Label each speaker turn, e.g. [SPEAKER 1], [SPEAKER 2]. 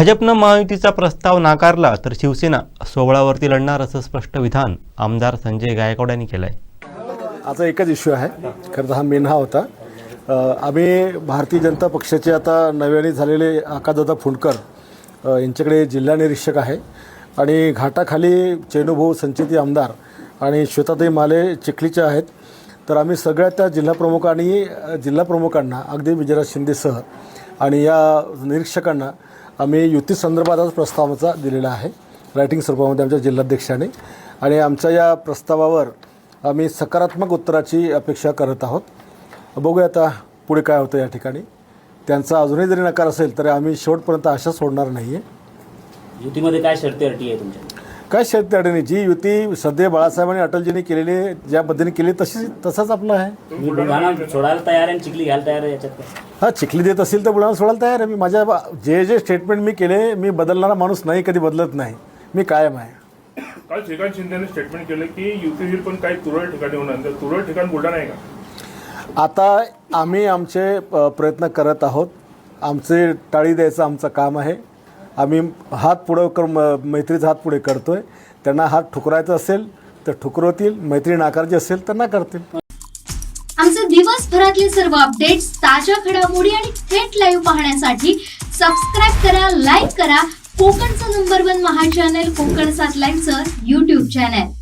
[SPEAKER 1] भाजपनं महायुतीचा प्रस्ताव नाकारला तर शिवसेना 16वरती लढणार असं स्पष्ट विधान आमदार संजय गायकवाड यांनी केलं आहे।
[SPEAKER 2] आता एकच इश्यू आहे, खरं तर हा मेन हा होता। आम्ही भारतीय जनता पक्षाचे आता नव्याने झालेले आकाशदादा फुंडकर यांच्याकडे जिल्हा निरीक्षक आहे आणि घाटाखाली चेनुभाऊ संचेती आमदार आणि श्वेताताई माले चिखलीच्या आहेत। तर आम्ही सगळ्या त्या जिल्हा प्रमुखांना अगदी विजयराज शिंदेसह आणि या निरीक्षकांना आम्ही युती संदर्भातच प्रस्तावाचा दिलेला आहे रायटिंग स्वरूपामध्ये आमच्या जिल्हाध्यक्षाने, आणि आमच्या या प्रस्तावावर आम्ही सकारात्मक उत्तराची अपेक्षा करत आहोत। बघूया आता पुढे काय होतं या ठिकाणी। त्यांचा अजूनही जरी नकार असेल तरी आम्ही शेवटपर्यंत आशा सोडणार नाही आहे। युतीमध्ये काय शर्ती अटी आहे तुमच्या? काय शर्ती अटी नाही, जी युती सध्या बाळासाहेबांनी अटलजींनी केलेली ज्या पद्धतीने केली तसंच आपलं आहे।
[SPEAKER 3] बुलढाणा सोडायला तयार आहे, चिखली घ्यायला तयार आहे याच्यात?
[SPEAKER 2] हां, चिखली देत असेल तर बुलढाणा सोडायला तयार आहे मी। माझ्या जे स्टेटमेंट मी केले, मी बदलणारा माणूस नाही, कधी बदलत नाही, मी कायम आहे।
[SPEAKER 4] काल श्रीकांत शिंदेने स्टेटमेंट केलं की युती होईल पण काही तुरळक ठिकाणी होणार, तर तुरळक ठिकाण बुलढाणा आहे का?
[SPEAKER 2] आता आम्ही आमचे प्रयत्न करत आहोत, आमचे टाळी द्यायचं आमचं काम आहे। आम्ही हात पुढं करून मैत्रीचा हात पुढे करतोय। त्यांना हात ठुकरायचा असेल तर ठुकरवतील, मैत्री नाकारची असेल तर नाकारतील।
[SPEAKER 5] आमचे दिवसभरातले सर्व अपडेट्स, ताज्या घडामोडी आणि थेट लाईव्ह पाहण्यासाठी सबस्क्राईब करा, लाईक करा कोकणचं नंबर 1 महा चॅनल कोकण 7 लाईव्हचं YouTube चॅनल।